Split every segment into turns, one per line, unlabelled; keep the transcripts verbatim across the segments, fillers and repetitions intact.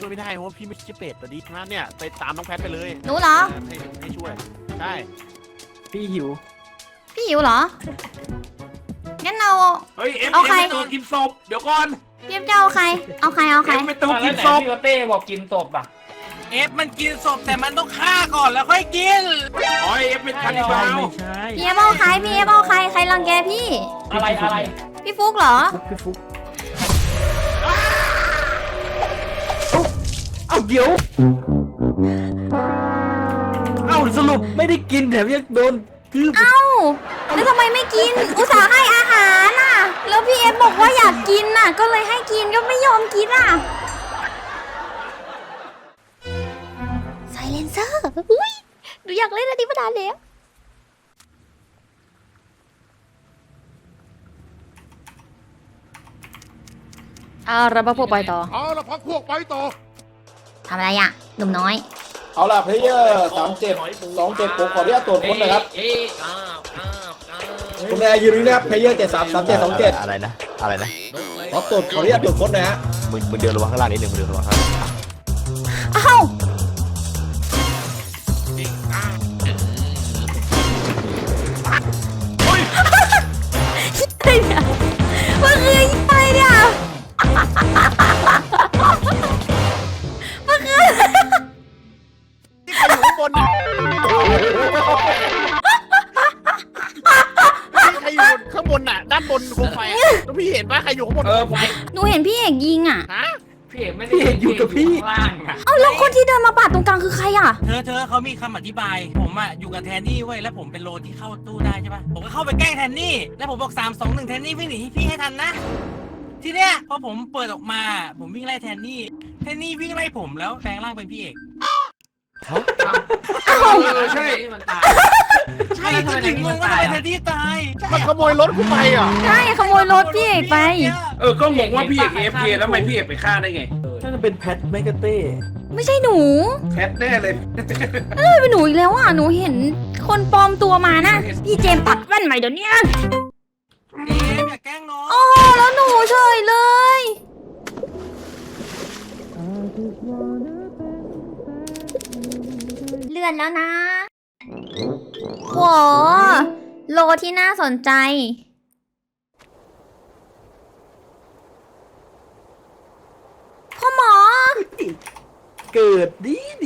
ช่วยไม่ได้เพราะว่าพี่ไม่ใช่เป็ดตอนนี้งั้นเนี่ยไปตามน้องแพทไปเลย
หนูเหรอ
ให้ให้ช่วยใช่
พี่หิว
พี่หิวเหรอ งั้นเรา
เฮ้ยเอฟ
เอา
เอฟ
ใคร
เป็นตัวกินศพเดี๋ยวก่อน
พี่เอฟจะเอาใคร เอาใครเอาใคร
เอฟเป็นตัว
อ่ะ
กิ
แล้ว
น
ไหน
ศพ
พี่โอเต้บอกกินศพอ่ะ
เอฟมันกินศพแต่มันต้องฆ่าก่อนแล้วค่อยกิน
อ๋อเอฟเป็นคานิบาล
ไม่ใช่
พี่เอฟเอาใคร พี่เอฟเอาใคร ใครรังแกพี่
อะไรอะไร
พี่ฟุกเหรอ
พี่ฟุกเอาเดี๋ยวเอาสรุปไม่ได้กินแถมยังโดนคือ
เอ้า แล้วทำไมไม่กิน อุตส่าห์ให้อาหารน่ะ แล้วพี่เอฟบอกว่าอยากกินน่ะ ก็เลยให้กินก็ไม่ยอมกินอ่ะไซเลนเซอร์อุ้ยหนูอยากเล่นอันนี้มานานแล้วเอาระบาพวกไปต่อ
เอาละพักพวกไปต่อ
ทำอะไรอ่ะ หนุ่มน้อย
เอาล่ะเพลเยอร์สามเจ็ดสองเจ็ดผมขออนุญาตตรวจค้นนะครับ
เอ๊ะอ้าวอ้าวอ้าว
คุณแม่ยืนนี้นะครับเพลเยอร์เจ็ดสามสามเจ็ดสองเจ็ด
อะไรนะ อะไรนะ
ขอตรวจขออนุญาตตรวจค้นนะฮะ
มึงมึงเดินระวังข้างล่างนิดนึงมึงเดินระวังข้างล่าง
เอ้าอะไรเนี่ยมันคืออะไรเนี่ยมันคือ
ที่ใครอยู่ข้างบนน่ะที่ใครอยู่ข้างบนน่ะด้านบนโคมไฟอะแล้วพี่เห็นปะใครอยู่ข้างบน
เออผม
หนูเห็นพี่เอกยิงอ่ะ
ฮะ
พี่เอกไม่ได้อยู่กับพี่ข้างล่างอ่ะ
เอ้าแล้วคนที่เดินมาปาดตรงกลางคือใครอ่ะ
เธอเธอเขามีคำอธิบาย ผมอะอยู่กับแทนนี่เว้ยแล้วผมเป็นโลที่เข้าตู้ได้ใช่ปะผมก็เข้าไปแกล้งแทนนี่แล้วผมบอกสามสองหนึ่งแทนนี่วิ่งหนีพี่ให้ทันนะ ทีเนี้ยพอผมเปิดออกมา ผมวิ่งไล่แทนนี่แทนนี่วิ่งไล่ผมแล้วแปลงร่างเป็นพี่เอก
เอ้า
เออใช่มันตาย
ใช่จริงๆงงว่าทำไมแทนนี่ตาย
มันขโมยรถกูไปอ่ะ
ใช่ขโมยรถพี่เอกไป
เออก็งงว่าพี่เอกเอฟเคแล้วทำไมพี่เอกไปฆ่าได้ไง
น่าจะเป็นแพทแมกกาเต้
ไม่ใช่หนู
แพทแน่เลย
เอ้ยเป็นหนูอีกแล้วอ่ะหนูเห็นคนปลอมตัวมานะพี่เจมส์ตัดแว่นใหม่เดี๋ยวนี้
เอ๊ะอย่าแกล้งน้อง
โอ้โหแล้วหนูเฉยเลยเลื่อนแล้วนะโหโลที่น่าสนใจพ่อหมอ
เกิดดีดี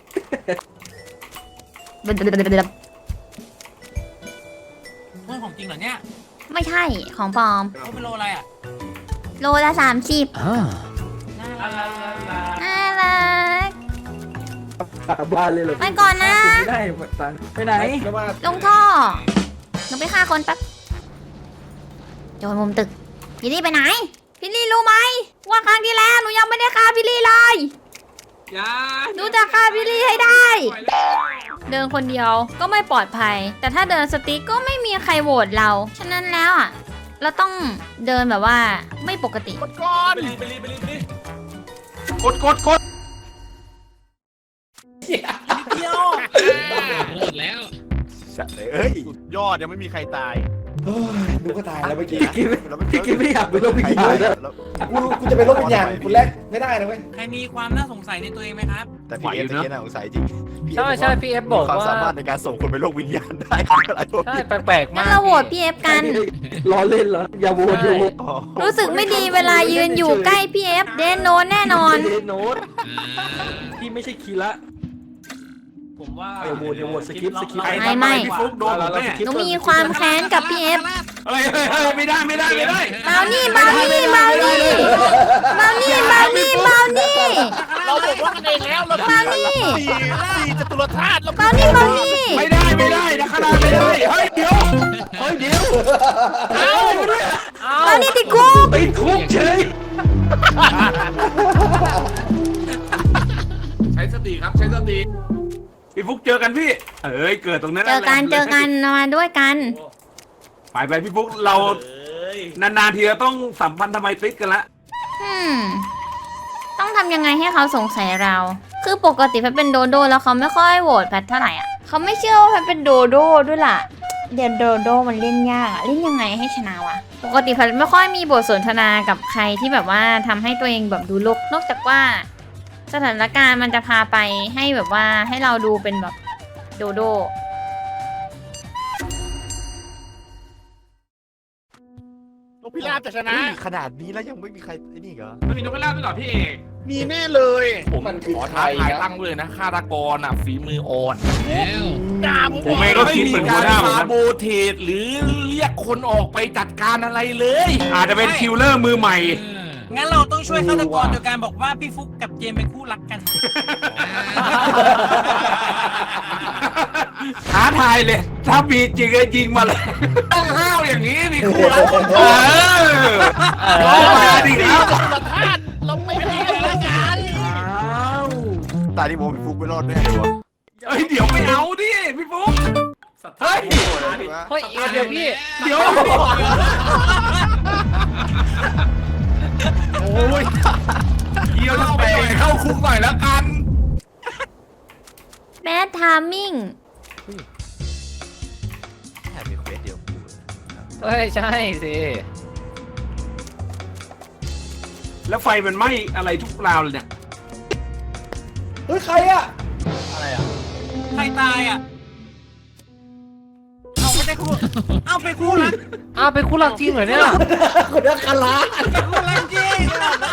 เพื่อนของจริงเหรอเนี่ย
ไม่ใช่ของปลอม
เขาเป็นโลอะไรอะ
โลละสามสิบ
น่ารัก
น่ารัก
ขาบ้านเลยเหรอ
ไปก่อนนะ
ไม่ได้หมดตังค์ไปไหน
ไม่ว่า
ลงท่อหนูไปฆ่าคนแป๊บโจรมุมตึก พี่ลี่ไปไหน พี่ลี่รู้ไหมว่าครั้งที่แล้วหนูยังไม่ได้ฆ่าพี่ลี่เลย
อย่า
หนูจะฆ่าพี่ลี่ให้ได้ เดินคนเดียวก็ไม่ปลอดภัย แต่ถ้าเดินสติ๊กก็ไม่มีใครโหวตเรา ฉะนั้นแล้วอ่ะ เราต้องเดินแบบว่าไม่ปกติ
กดก่อน
ไปรีบไปรีบไปรีบไปรีบ
กดกดกด
เดียว
หมดแล้ว
สัตว์เลยเอ้ยสุดยอดยังไม่มีใครตาย
เฮ้ยดูก็ตายแล้วเมื่อกี้
พี่กินพี่กินไม่อยากเป็นโรควิญญาณแล้ว
กูกูจะเป็นโรควิญญาณคุณแรกไม่ได้นะเว้ย
ใครมีความน่าสงสัยในตัวเองไหมครับ
แต่พี่เอฟตะกี้น่าสงสัยจริงพี่
ใช่ใช่พี่เอฟบอก
มีความ
ว่า
สามารถในการส่งคนไปโลกวิญญาณได้อะไรพวก
ใช่
นี้
แปลกๆ
งั้
มาน ก
เราโหวตพี่เอฟกัน
ล้อเล่นเหรอ อย่าโหวตอย่าโหวต
อ๋อ
รู้สึกไม่ดีเวลายืนอยู่ใกล้พี่เอฟเดนโนนแน่นอน
เดโนตพี่ไม่ใช่คีระ
ผมว่า
อย่าโหวตอย่าโหวตสกิปสกิป
เรา
ไม่ไม่
พี่ฟุกโดนผมแน่
หนูมีความแค้นกับพี่เอฟ
เฮ้ยเฮ้ยเฮ้ยไม่ได้ไม่ได้ไม่ได้
เมานี่เมานี่เมานี่เมานี่เมานี่เมานี่
เราบอกว่ากันเองแล้วเรา
มานี่
สี่สี่จตุรธาตุแล้ว
เมานี่เมานี่
ไม่ได้ไม่ได้นะขนาดไม่ได้เฮ้ยเดี๋ยวเฮ้ยเดี๋ยว
เอา
เมานี่ติดคุก
ติดคุกเฉยใช้สติครับใช้สติพี่ฟุกเจอกันพี่เอ้ยเกิดตรงนั้น
เจอกันเจอกันมาด้วยกัน
ไปไปพี่ฟุกเรานานๆทีเราต้องสัมพันธ์ทำไมติดกันละ
อืม ต้องทำยังไงให้เขาสงสัยเรา คือปกติแพทเป็นโดโดแล้วเขาไม่ค่อยโหวตแพทเท่าไหร่อ่ะเขาไม่เชื่อว่าแพทเป็นโดโดด้วยล่ะ เดี๋ยวโดโดมันเล่นยากอะเล่นยังไงให้ชนะวะ ปกติแพทไม่ค่อยมีบทสนทนากับใครที่แบบว่าทำให้ตัวเองแบบดูโลกนอกจากว่าสถานการณ์มันจะพาไปให้แบบว่าให้เราดูเป็นแบบโดโด
นกพิราบจะชนะ
เฮ้ยขนาดนี้แล้วยังไม่มีใครไอ้นี่เหรอ
มันมีนกกระลาบด้วยเหรอพี่เอก
มีแน่เลย
ผม
มันคือ
ขอ
ใคร
ท้าทาย
นะ
ตั้งเลยนะฆาตกรอ่ะฝีมืออ่อน
แล้ว
ด่าผม
ผมเองก็คิดเหมือนหัวหน้าเหมือนกันโบเทสหรือเรียกคนออกไปจัดการอะไรเลย อาจจะเป็นคิลเลอร์มือใหม่
งั้นเราต้องช่วยฆาตกรโดยการบอกว่าพี่ฟุกกับเจมเป็นคู่รักกัน
ท้าทายเลย ถ้ามีจริงก็ยิงมาเลย ต้องห้าวอย่างนี้มีคู่รักคนเออก็มาดิครับ
ประธานเราไม่ได้ละกัน
ตาที่ผมพี่ฟุกไม่รอดแน่เลยวะ
เฮ้ยเดี๋ยวไม่เอาดิพี่ฟุ๊กเฮ้ย
เฮ้ยเดี๋ยวพี่
เดี๋ยวโอ้ยเดี๋ยวเราไปเข้าคุกหน่อยแล้วกัน
แบดทามิ่ง
แค่มีเควสเดียวกู
เฮ้ยใช่สิ
แล้วไฟมันไหม้อะไรทุกราวเลยเนี่ย
เฮ้ยใครอ่ะ
อะไรอ่ะ
ใครตายอ่ะ เอาไม่ได้คู่ เอาไปคู่รัก
อ้าวเป็นคู่รักจริงเหรอเนี่ย
คนนักคารา
คู่รักจริง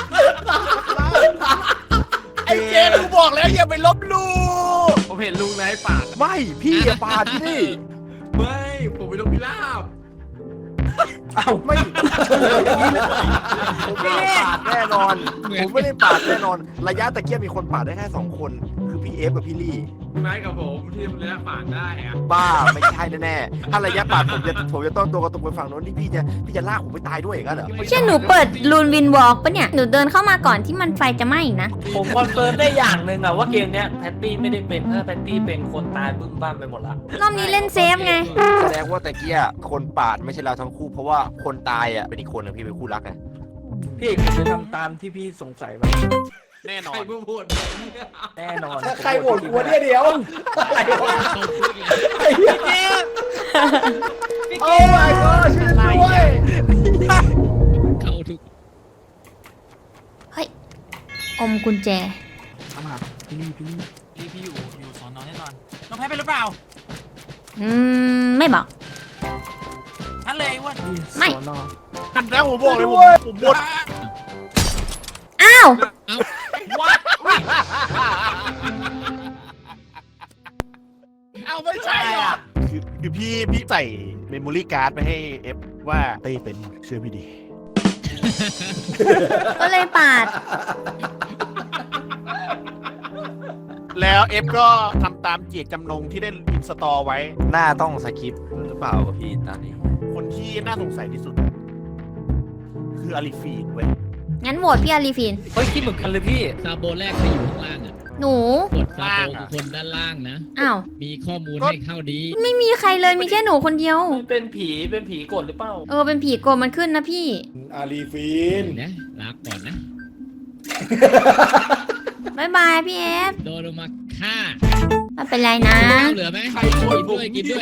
ไอ้เจนกูบอกแล้วอย่าไปลบหลู่
ผมเห็นลุงนายปาด
ไม่พี่อย่าปาดที่นี่
ไม่ผมเป็นนกพิราบ
เอ้าไม่ผมไม่ได้ปาดแน่นอน ผมไม่ได้ปาดแน่นอน ระยะตะเกียบมีคนปาดได้แค่สองคน คือพี่เอฟกับพี่ลี่
นายกับผมที่มันระยะปาดได้อะ
บ้าไม่ใช่แน่ๆถ้าระยะปาดผมจะผมจะต้องตัวกระตุกไปฝั่งโน้นที่พี่จะพี่จะลากผมไปตายด้วยอย่างนั้นเหรอ
เช่นหนูเปิดลูนวินวอล์กปะเนี่ย หนูเดินเข้ามาก่อนที่มันไฟจะไหม้นะ
ผมคอนเฟิร์มได้อย่างหนึ่งอะว่าเกมเนี้ยแพตตี้ไม่ได้เป็นถ้าแพตตี้เป็นคนตายบึ้มบ้ามไปหมดละ
รอบนี้เล่นเซฟไง
แสดงว่าตะเกียคนปาดไม่ใช่เราทั้งคู่เพราะว่าคนตายอ่ะเป็นอีกคนนึงพี่เป็นคู่รักไง
พี่เอกผมจะทำตามที่พี่สงสัยไหม
แน่นอ
ใคร
น
เพิ่งพูด
แน่นอน
ถ้าใครโหวตกูเนี่ยเดี๋ยวใครวะไอ้เหี้ย
เจม
โอ้ my god ช่วยด้วย
เข้าทุก
เฮ้ย อมกุญแจ
พี่พี่อยู่อยู่สอนอแน่นอน น้องแพ้เป็นหรือเปล่า
อืม ไม่บอก
ฉันเลยว่า
ไม่
หันแล้วผมบอกเลยผมผมบด
อ้าว
เอาไม่ใช่หรอ
คือคือพี่พี่ใส่เมมโมรี่การ์ดไปให้เอฟว่าเต้เป็นเชื่อพี่ดี
ก็เลยปาด
แล้วเอฟก็ทำตามเจตจำนงที่ได้อินสตอลไว้
หน้าต้องสคริปต์หรือเปล่ากับพี่ตอนนี้
คนที่น่าสงสัยที่สุด คืออาริฟีนเว้ย
งั้นโหวตพี่อารีฟิน
เฮ้ยคิดเหมือนกันเลยพี่
ซาโบแรกที่อยู่ข้างล่างอ่ะ
หนู
กดซาโบคือคนด้านล่างนะ
อ้าว
มีข้อมูลให้เข้าดี
ไม่มีใครเลยมีแค่หนูคนเดียว
มันเป็นผีเป็นผีกดหรือเปล่า
เออ เป็นผีโกรธมันขึ้นนะพี่
อารีฟีน
นะลาก่อนนะ
บ๊ายบายพี่เอฟ
โดนลงมาฆ่า
ไม่เป็นไรนะ
ข้าวเหลือไหม
ใครโหวต
กิน
ผม
ด้วยกินด้วย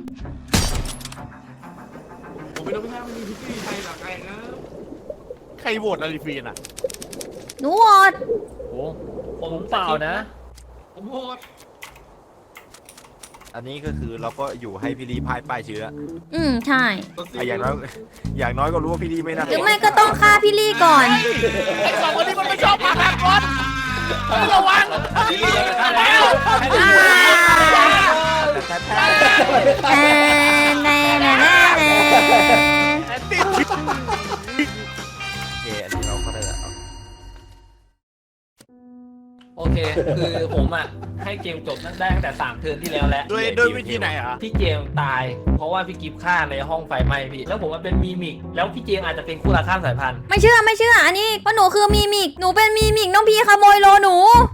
ผมเป็นนกพิราบไม่มีพิธีไทยหรอกใครนะ
ใครโหวตอาริฟีนอ่ะ
หนูโหวต
โอ้ผมเปล่านะ
ผมโหวต
อันนี้ก็คือเราก็อยู่ให้พี่ลีพ่ายป้ายเชื้อ
อืม ใช่
อ่ะอย่างน้อยอย่างน้อยก็รู้ว่าพี่ลีไม่น่า
หรือไม่ก็ต้องฆ่าพี่ลี่ก่อน
ไอ้สองคนนี้มันไม่ชอบมาพากลไม่ระวังแล้ว
แต่แท้
แอนแอนแอนแอน
โอเคอันนี้เราก็ได้แล้ว
โอเค คือผมอ่ะให้เกมจบตั้งได้ตั้งแต่สามเทิร์นที่แล้วแล้ว
ด้วยด้วยวิธีไหนอ่ะ
พี่เจมส์ตาย เพราะว่าพี่กิฟฆ่าในห้องไฟไหม้พี่ แล้วผมมันเป็นมีมิก แล้วพี่เจมส์อาจจะเป็นคู่รักข้ามสายพันธุ์
ไม่เชื่อไม่เชื่อ อันนี้เพราะหนูคือมีมิก หนูเป็นมีมิก น้องพี่ขโมยโลหนู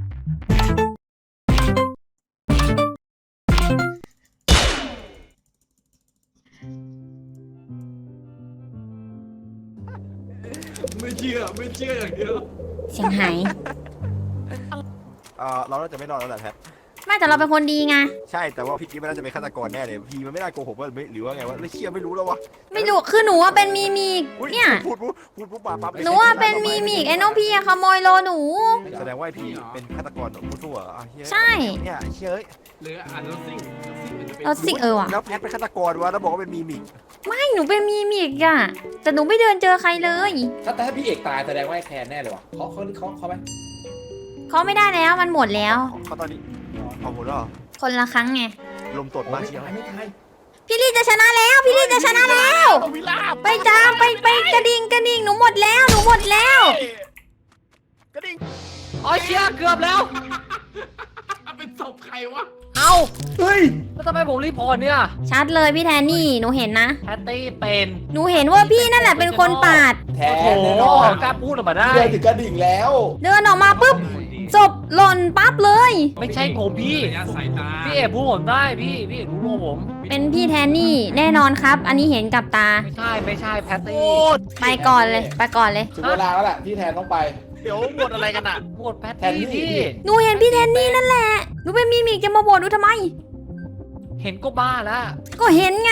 ไม่เชื่อไม่เชื่ออย่างเดียว
เสียงหาย
เออเราน่าจะไม่รอดแล้วแหละแพท
ไม่แต่เราเป็นคนดีไง
ใช่แต่ว่าพี่กิ๊ฟมันน่าจะเป็นฆาตกรแน่เลยพี่มันไม่น่าโกหกว่าหรือว่าไงวะเลยเชื่อไม่รู้แล้ววะ
ไม่รู้คือหนูว่าเป็นมีมีก
อุ๊
เนี่ย
พูดพูดพูดพูดปั๊บปั๊บ
หนูว่าเป็นมีมีกไอ้น้องพี่อะขโมยโลหนู
แสดงว่าพี่เป็นฆาตกรผู้ทั่วอ่ะเฮ้ย
ใช่
เนี่ยเชื่อ
หรืออ่านรถซิ่งรถซิ่งมันจะเป็น
เราสิเออว่ะ
แล้วแพทเป็นฆาตกรวะแล้วบอกว่าเป็นมีมิก
ไม่หนูเป็นมีมีกอะแต่หนูไม่เดินเจอใครเลย
ถ้าแต่ถ้าพี่เอกตายแสดงว่าไอ้แคนแน่เลยว่ะเขาเขาเขาเขาไหม
เขาไม่ได้แล้วมันหมดแล้ว
เขาตอนนี้เอาหมดแล้วเหรอ
คนละครั้งไง
ลมตดมาเชียว
ไม่ตาย
พี่ลี่จะชนะแล้ว พี่ลี่จะชนะแล้ว
ต้องวิลาบ
ไปจ้าไปไปกระดิ่งกระดิ่งหนูหมดแล้วหนูหมดแล้ว
กระดิ่ง
อ๋อเชี่ยเกือบแล้ว
เป็นศพใครวะ
เอ้า
เฮ้ย
แล้วทำไมผมรีพอร์ตเนี่ย
ชัดเลยพี่แทนนี่หนูเห็นนะ
แพตตี้เป็น
หนูเห็นว่าพี่นั่นแหละเป็นคนปาด
แท
โอ้
น
โห
แน่นอน
กล้าพูดออกมาได้
เดินถึงกระดิ่งแล้ว
เดินออกมาปุ๊บศพหล่นปั๊บเลย
ไม่ใช่ผมพี่
ระยะสายตา
พี่เอกพูดผมได้พี่พี่เอกรู้ตัวผม
เป็นพี่แทนนี่แน่นอนครับ อันนี้เห็นกับตา
ไม่ใช่ไม่ใช่แพตตี้
โอ้
ไปก่อนเลยไปก่อนเลย
ถึงเวลาแล้วแหละที่แทนต้องไป
เดี๋ยวหมดอะไรกันอ่ะ
หมดแพต
แทน
ตี้
นี่
พี่
หนูเห็นพี่แทนนี่นั่นแหละหนูเป็นมีมิกจะมาโบนหนูทำไม
เห็นก็บ้าแล้ว
ก็เห็นไง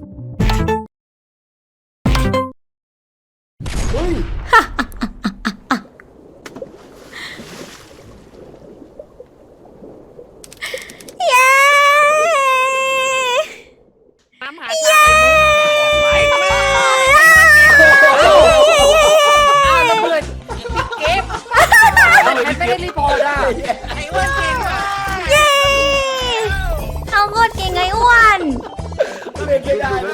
เฮ้ย
เย้
น้ำหา
เย้
อ้าวแล้วเพื่อนเก็บแพทไม่ได้รีพอร์ตอ่ะ
ไอ้อ้วนเก่งมาก
เย้เขาโคตรเก่งไงอ้วน
เล่นไม่ได้เลย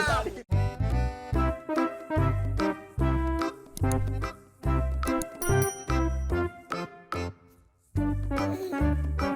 เ